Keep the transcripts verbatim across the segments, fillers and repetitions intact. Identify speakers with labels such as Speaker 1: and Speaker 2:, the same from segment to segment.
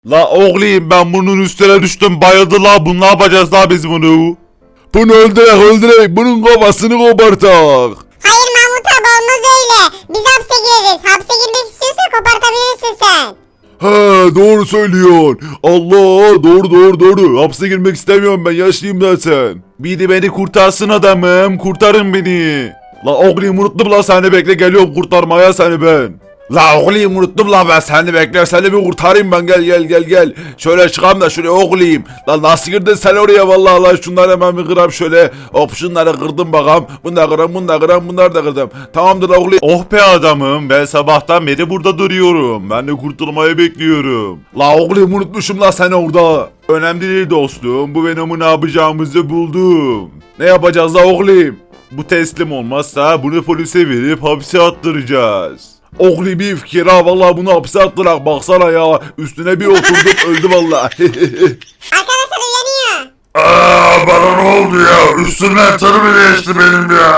Speaker 1: La oğlum ben bunun üstüne düştüm bayıldı la, bunu ne yapacağız la biz bunu? Bunu öldürek öldürek bunun kafasını kopartak.
Speaker 2: Hayır Mahmut abi olmaz öyle. Biz hapse gireriz. Hapse girmek istiyorsan kopartabilirsin sen.
Speaker 1: He doğru söylüyorsun. Allah doğru doğru doğru. Hapse girmek istemiyorum, ben yaşlıyım zaten. Biri beni kurtarsın adamım, kurtarın beni. La oğlum unuttum la, seni bekle geliyorum kurtarmaya seni ben. La oğlum unuttum la, ben seni bekle, seni bir kurtarayım ben, gel gel gel gel. Şöyle çıkalım da şuraya oğlum. La nasıl girdin sen oraya vallahi, la şunları hemen bir kıram şöyle. Hop şunları kırdım bakalım. Bunu da kıram, bunu da kıram, bunları da kırdım. Tamamdır oğlum. Oh be adamım, ben sabahtan beri burada duruyorum. Ben de kurtulmayı bekliyorum. La oğlum unutmuşum la seni orada. Önemli değil dostum, bu Venom'u ne yapacağımızı buldum. Ne yapacağız la oğlum? Bu teslim olmazsa bunu polise verip hapse attıracağız. Oğlum bir fikir ha, vallahi bunu hapse attırak baksana ya, üstüne bir oturdum öldü vallahi.
Speaker 2: Arkadaşlar uyanıyor.
Speaker 3: Aa, bana ne oldu ya? Üstümden tır mı geçti benim ya?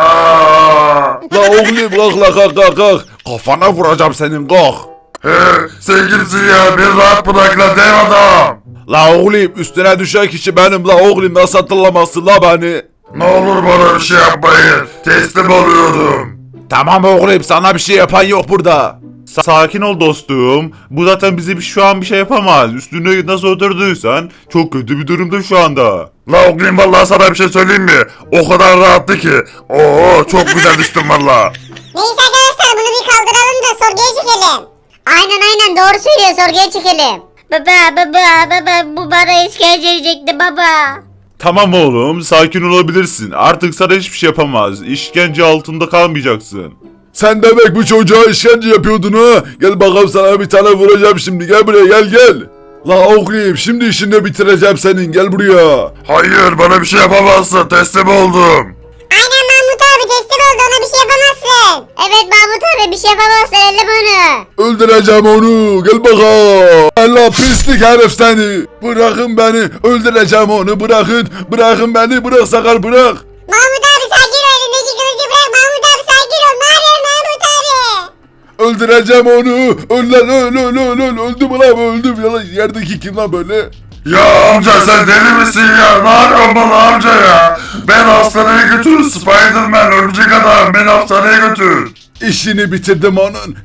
Speaker 1: La oğlum kalk la, kalk kalk kalk. Kafana vuracağım senin, kalk.
Speaker 3: He, sen kimsin ya? Bir rahat bırak la dev adam.
Speaker 1: La oğlum üstüne düşen kişi benim la oğlum, nasıl hatırlamazsın la beni?
Speaker 3: Ne olur bana bir şey yapmayın. Teslim oluyordum.
Speaker 1: Tamam oğlum, sana bir şey yapan yok burada. Sa- Sakin ol dostum. Bu zaten bize bir- şu an bir şey yapamaz. Üstüne nasıl oturduysan çok kötü bir durumda şu anda.
Speaker 3: La oğlum vallahi sana bir şey söyleyeyim mi? O kadar rahattı ki. Oo çok güzel düştüm valla.
Speaker 2: Neyse arkadaşlar bunu bir kaldıralım da sorguya çekelim. Aynen aynen doğru söylüyor, sorguya çekelim. Baba baba baba bu bana işkence edecekti baba.
Speaker 1: Tamam oğlum, sakin olabilirsin. Artık sana hiçbir şey yapamaz. İşkence altında kalmayacaksın. Sen demek bu çocuğa işkence yapıyordun ha? Gel bakalım, sana bir tane vuracağım şimdi. Gel buraya, gel gel. La oğlum şimdi işini bitireceğim senin, gel buraya.
Speaker 3: Hayır bana bir şey yapamazsın. Teslim oldum.
Speaker 2: Aynen Mahmut abi teslim oldu, ona bir şey yapamazsın. Evet Mahmut abi bir şey yapamazsın, elleme onu.
Speaker 1: Öldüreceğim onu, gel bakalım. Allah pislik herif seni. Bırakın beni, öldüreceğim onu, bırakın. Bırakın beni, bırak Sakar, bırak.
Speaker 2: Mahmut abi sakin ol, elindeki kılıcı bırak Mahmut abi, sakin ol. Ne yapıyorsun Mahmut abi?
Speaker 1: Öldüreceğim onu. Öl lan, öl öl öl öl. Öldüm lan, öldüm. Ya lan, yerdeki kim lan böyle?
Speaker 3: Ya amca sen deli misin ya? Ne yapıyorsun bana amca ya? Ben hastaneye götür Spiderman örümcek adam. Beni hastaneye götür.
Speaker 1: İşini bitirdim onun.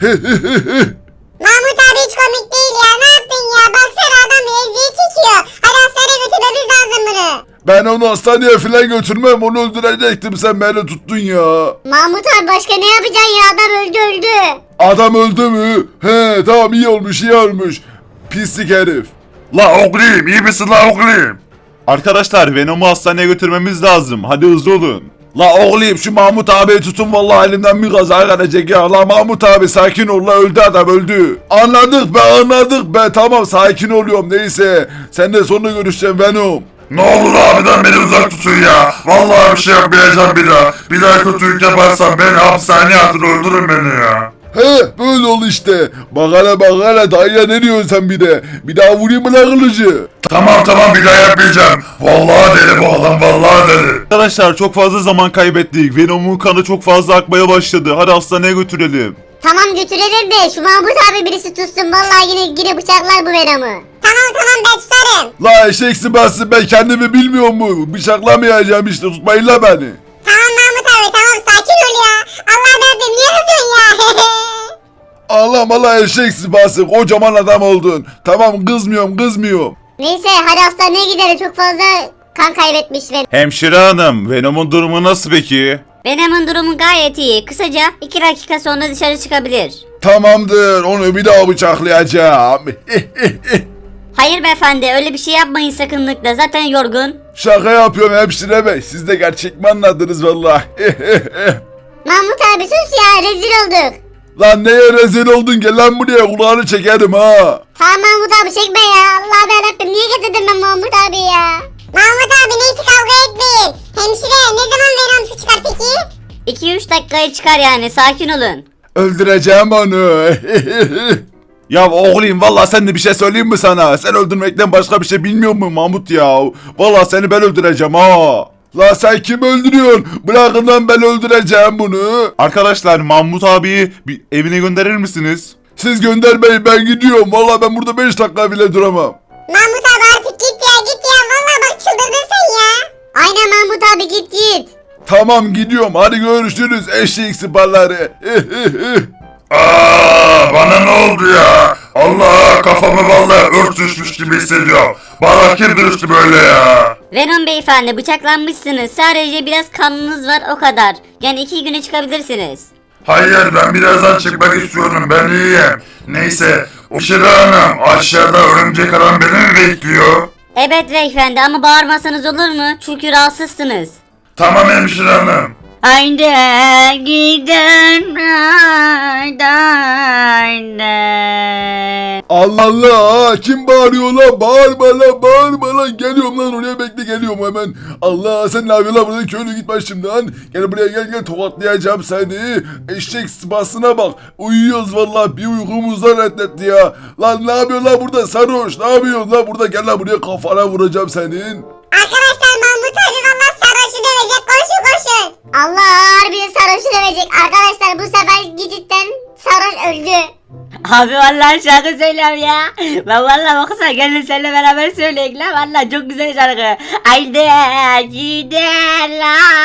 Speaker 2: Mahmut abi hiç komik değil ya, ne yaptın ya? Baksana adam ezdiği çekiyor. Hadi hastaneye götürmemiz lazım bunu.
Speaker 1: Ben onu hastaneye falan götürmem, onu öldürecektim, sen beni tuttun ya.
Speaker 2: Mahmut abi başka ne yapacaksın ya, adam öldü öldü.
Speaker 1: Adam öldü mü? He tamam, iyi olmuş iyi olmuş. Pislik herif.
Speaker 3: La oğlum iyi misin la oğlum?
Speaker 1: Arkadaşlar Venom'u hastaneye götürmemiz lazım, hadi hızlı olun. La oğlum şu Mahmut abiyi tutun, vallahi elimden bir kaza gelecek ya. La Mahmut abi sakin ol, la öldü adam öldü. Anladık be anladık be, tamam sakin oluyorum, neyse. Sen de sonra görüşeceğim Venom.
Speaker 3: Ne olur abiden beni uzak tutun ya. Vallahi bir şey yapmayacağım bir daha. Bir daha kötülük yaparsam beni hapishaneye atın öldürün beni ya.
Speaker 1: He böyle ol işte. Bak hele bak hele, dayıya ne diyorsun sen bir de. Bir daha vurayım mı lan kılıcı?
Speaker 3: Tamam tamam bir daha yapmayacağım. Vallahi deli bu adam vallahi deli.
Speaker 1: Arkadaşlar çok fazla zaman kaybettik. Venom'un kanı çok fazla akmaya başladı. Hadi hastaneye götürelim.
Speaker 2: Tamam götürelim de şu Mahmut abi birisi tutsun, vallahi yine yine bıçaklar bu Venom'u. Tamam tamam ben tutarım.
Speaker 1: La eşeksi basın, ben kendimi bilmiyor mu? Bıçaklamayacağım işte, tutmayın la beni.
Speaker 2: Tamam Mahmut abi tamam sakin ol ya. Allah'ım Rabbim niye kızıyorsun ya?
Speaker 1: Allah Allah eşeksi basın, kocaman adam oldun. Tamam kızmıyorum kızmıyorum.
Speaker 2: Neyse hadi hastaneye gidelim, çok fazla kan kaybetmiş Venom.
Speaker 1: Hemşire hanım, Venom'un durumu nasıl peki?
Speaker 4: Venom'un durumu gayet iyi. Kısaca iki dakika sonra dışarı çıkabilir.
Speaker 1: Tamamdır, onu bir daha bıçaklayacağım.
Speaker 4: Hayır beyefendi, öyle bir şey yapmayın sakınlıkla. Zaten yorgun.
Speaker 1: Şaka yapıyorum hemşire bey, siz de gerçek mi anladınız valla?
Speaker 2: Mahmut abi sus ya, rezil olduk.
Speaker 1: Lan neye rezil oldun, gel lan buraya, kulağını çekerim ha.
Speaker 2: Tamam Mahmut abi çekme ya. Allah'ım yarabbim niye getirdin ben Mahmut abi ya? Mahmut abi neyse kavga etmeyin. Hemşire ne zaman Venom çıkar peki?
Speaker 4: iki üç dakikaya çıkar yani, sakin olun.
Speaker 1: Öldüreceğim onu. Ya oğlum valla sen de bir şey söyleyeyim mi sana? Sen öldürmekten başka bir şey bilmiyor musun Mahmut ya? Valla seni ben öldüreceğim ha. La sen kim öldürüyorsun? Bırakın lan, ben öldüreceğim bunu. Arkadaşlar Mahmut abiyi bir evine gönderir misiniz? Siz göndermeyin, ben gidiyorum. Vallahi ben burada beş dakika bile duramam.
Speaker 2: Mahmut abi artık git ya git ya. Vallahi bak çıldırdın sen ya.
Speaker 4: Aynen Mahmut abi git git.
Speaker 1: Tamam gidiyorum, hadi görüşürüz eşek sıpaları.
Speaker 3: Aa, bana ne oldu ya? Allah, kafamı vallahi ört düşmüş gibi hissediyorum. Bana kim düştü böyle ya?
Speaker 4: Venom beyefendi bıçaklanmışsınız. Sadece biraz kanınız var o kadar. Yani iki güne çıkabilirsiniz.
Speaker 3: Hayır, ben birazdan çıkmak istiyorum, ben iyiyim. Neyse, o Şira Hanım aşağıda örümcek adam beni mi bekliyor?
Speaker 4: Evet beyefendi ama bağırmasanız olur mu? Çünkü rahatsızsınız.
Speaker 3: Tamam hemşire hanım.
Speaker 4: Haydi gidin haydi haydi.
Speaker 1: Allah Allah, kim bağırıyor lan? Bağırma lan, bağırma lan. Geliyorum lan, oraya bekle, geliyorum hemen. Allah, sen ne yapıyorsun lan burada? Köylü git başımdan. Gel buraya, gel gel, tokatlayacağım seni. Eşek sıpasına bak. Uyuyoruz vallahi, bir uykumuzdan reddetti ya. Lan ne yapıyorsun lan burada sarhoş? Ne yapıyorsun lan burada? Gel lan buraya, kafana vuracağım senin.
Speaker 2: Arkadaşlar Mahmut abi vallahi sarhoşu dövecek. Koşun koşun. Allah harbiden sarhoşu dövecek. Arkadaşlar bu sefer cidden sarhoş öldü.
Speaker 4: Abi vallahi şarkı söylüyorum ya. Ben vallahi baksana gelin seninle beraber söyleyek lan. Vallahi çok güzel şarkı. Haydi gidelim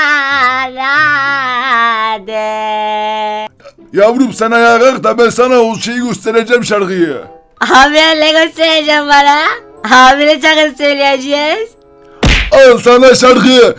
Speaker 4: hadi.
Speaker 1: Yavrum sen ayağa kalk da ben sana o şeyi göstereceğim, şarkıyı.
Speaker 4: Abi ne göstereceğim bana? Abi ne şarkı söyleyeceğiz?
Speaker 1: Al sana şarkı.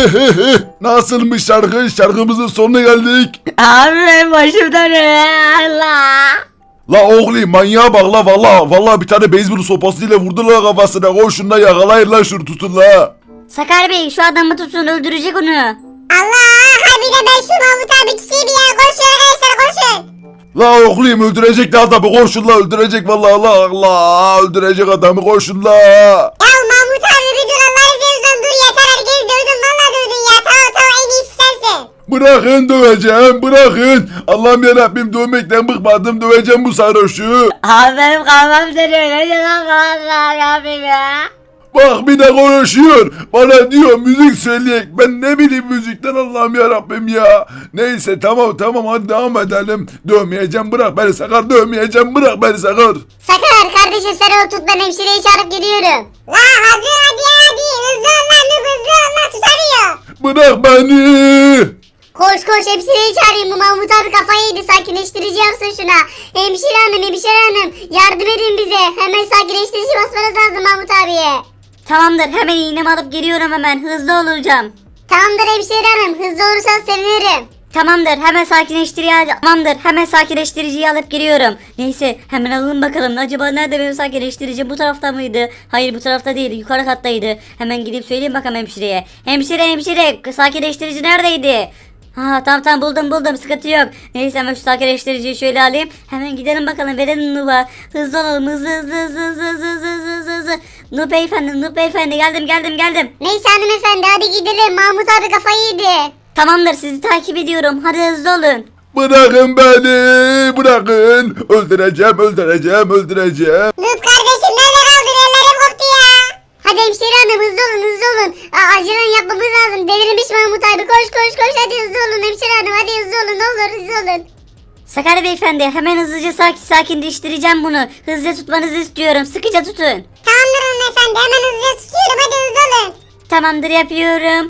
Speaker 1: Nasılmış şarkı? Şarkımızın sonuna geldik.
Speaker 4: Abi benim başım dönüyor Allah.
Speaker 1: La oğlum manyağa bak la, valla valla bir tane beyzbol sopasıyla vurdu la kafasına. Koşun la, yakalayın la şunu, tutun la.
Speaker 4: Sakar Bey şu adamı tutun öldürecek onu.
Speaker 2: Allah harbiden ben şu Mahmut abi tutayım ya. Koşun arkadaşlar koşun.
Speaker 1: La oğlum öldürecek la adamı, koşun la, öldürecek vallahi, Allah Allah öldürecek adamı, koşun la.
Speaker 2: Ya Mahmut abi bir dur Allah'ını seversen dur yeter herkes dövdün valla dövdün ya. Tamam tamam en iyisi sensin.
Speaker 1: Bırakın döveceğim, bırakın. Allah'ım yarabbim, dövmekten bıkmadım, döveceğim bu sarhoşu.
Speaker 4: Abi benim kafam dönüyor. Ne diyorsun Allah yapayım ya?
Speaker 1: Bak bir de konuşuyor. Bana diyor müzik söyleyek. Ben ne bileyim müzikten, Allah'ım yarabbim ya. Neyse tamam tamam, hadi devam edelim. Dövmeyeceğim, bırak beni Sakar, dövmeyeceğim, bırak beni Sakar.
Speaker 2: Sakar kardeşim sen onu tut ben hemşireyi çağırıp geliyorum. La hazır hadi hadi hızlı ol lan Nub, hızlı ol lan tutamıyor.
Speaker 1: Bırak beni.
Speaker 2: Koş koş hemşireyi çağırayım bu Mahmut abi kafayı yedi sakinleştirici yapsın şuna. Hemşire hanım hemşire hanım yardım edin bize hemen sakinleştirici basmanız lazım Mahmut abiye.
Speaker 4: Tamamdır hemen iğnemi alıp geliyorum hemen hızlı olacağım.
Speaker 2: Tamamdır hemşire hanım hızlı olursan sevinirim.
Speaker 4: Tamamdır hemen sakinleştirici Tamamdır hemen sakinleştiriciyi alıp geliyorum. Neyse hemen alalım bakalım. Acaba nerede benim sakinleştirici? Bu tarafta mıydı? Hayır bu tarafta değil, yukarı kattaydı. Hemen gidip söyleyeyim bakalım hemşireye. Hemşire hemşire sakinleştirici neredeydi? Ha tamam tamam buldum buldum, sıkıntı yok. Neyse hemen şu sakinleştiriciyi şöyle alayım. Hemen gidelim bakalım, verelim Nub'a. Hızlı olalım, hızlı hızlı hızlı hızlı hızlı hızlı hızlı hızlı. Nub beyefendi Nub beyefendi geldim geldim geldim.
Speaker 2: Neyse hanımefendi hadi gidelim Mahmut abi kafayı yedi.
Speaker 4: Tamamdır sizi takip ediyorum, hadi hızlı olun.
Speaker 1: Bırakın beni, bırakın. Öldüreceğim, öldüreceğim, öldüreceğim.
Speaker 2: Nub kardeşim nerede kaldın ellerim koptu ya. Hadi hemşire hanım hızlı olun hızlı olun. Aa, acilen yapmamız lazım delirmiş Mahmut abi koş koş koş hadi hızlı olun hemşire hanım hadi hızlı olun ne olur hızlı olun.
Speaker 4: Sakarya beyefendi hemen hızlıca sakin sakinleştireceğim bunu. Hızlıca tutmanızı istiyorum, sıkıca tutun.
Speaker 2: Tamamdır hanımefendi hemen hızlıca tutuyorum hadi hızlı olun.
Speaker 4: Tamamdır yapıyorum,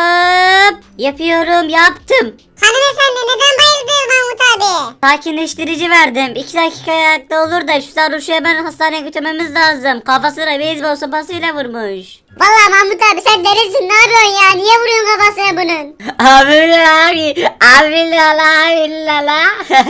Speaker 4: hop. Yapıyorum, yaptım.
Speaker 2: Hanımefendi neden bayıldınız Mahmut abi?
Speaker 4: Sakinleştirici verdim. İki dakika ayakta olur da şu sarhoşu hemen hastaneye götürmemiz lazım. Kafasına beyzbol sopasıyla vurmuş.
Speaker 2: Valla Mahmut abi sen delisin ne yapıyorsun ya niye vuruyorsun kafasına bunun?
Speaker 4: Abi abi abi lala abi lala.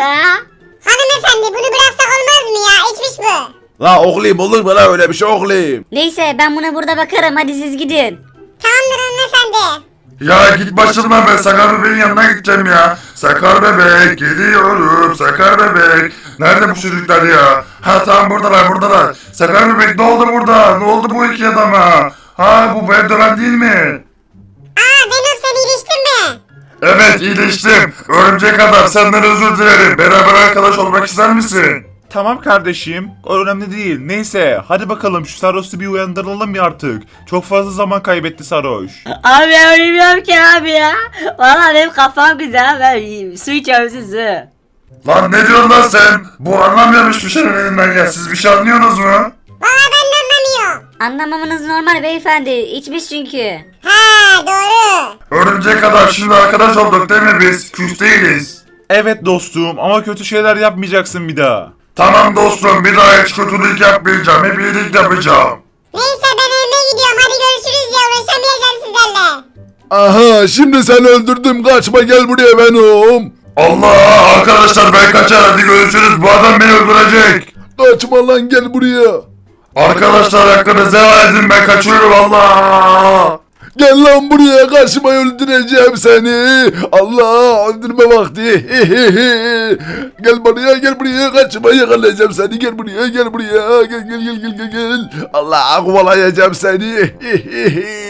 Speaker 2: Hanımefendi bunu bıraksak olmaz mı ya içmiş bu.
Speaker 1: La oğlum olur mu la öyle bir şey oğlum?
Speaker 4: Neyse ben buna burada bakarım, hadi siz gidin.
Speaker 2: Tamamdır hanımefendi.
Speaker 3: Ya git başımdan, ben Sakar bebeğin yanına gideceğim ya. Sakar bebek gidiyorum, Sakar bebek. Nerede bu çocuklar ya? Ha tamam buradalar buradalar. Sakar bebek ne oldu burada? Ne oldu bu iki adama? Ha bu ben dönen değil mi?
Speaker 2: Aa Venom sen iyileştin mi?
Speaker 3: Evet iyileştim. Örümcek adam senden özür dilerim. Beraber arkadaş olmak ister misin?
Speaker 1: Tamam kardeşim, o önemli değil. Neyse, hadi bakalım şu sarhoşu bir uyandıralım ya artık. Çok fazla zaman kaybetti sarhoş.
Speaker 4: Abi ölmüyorum ki abi ya. Valla benim kafam güzel, ben su içiyorum sizi.
Speaker 3: Lan ne diyorsun lan sen? Bu anlamıyormuş bir şeyin elinden ya. Siz bir şey anlıyorsunuz mu?
Speaker 2: Valla ben de anlamıyorum.
Speaker 4: Anlamamanız normal beyefendi. İçmiş çünkü.
Speaker 2: Ha doğru.
Speaker 3: Örümcek kadar şimdi arkadaş olduk değil mi biz? Küs değiliz.
Speaker 1: Evet dostum ama kötü şeyler yapmayacaksın bir daha.
Speaker 3: Tamam dostum bir daha hiç kötülük yapmayacağım. Hep iyilik yapacağım.
Speaker 2: Neyse ben evime gidiyorum. Hadi görüşürüz ya. Uğraşamayacağım sizlerle.
Speaker 5: Aha şimdi seni öldürdüm kaçma gel buraya Venom.
Speaker 3: Allah arkadaşlar ben kaçar hadi görüşürüz. Bu adam beni öldürecek.
Speaker 5: Kaçma lan gel buraya.
Speaker 3: Arkadaşlar hakkınızı helal edin ben kaçıyorum Allah.
Speaker 5: Gel lan buraya karşıma öldüreceğim seni. Allah öldürme vakti. Gel buraya gel buraya kaçıma yakalayacağım seni. Gel buraya gel buraya. Gel gel gel gel gel. Allah kovalayacağım seni.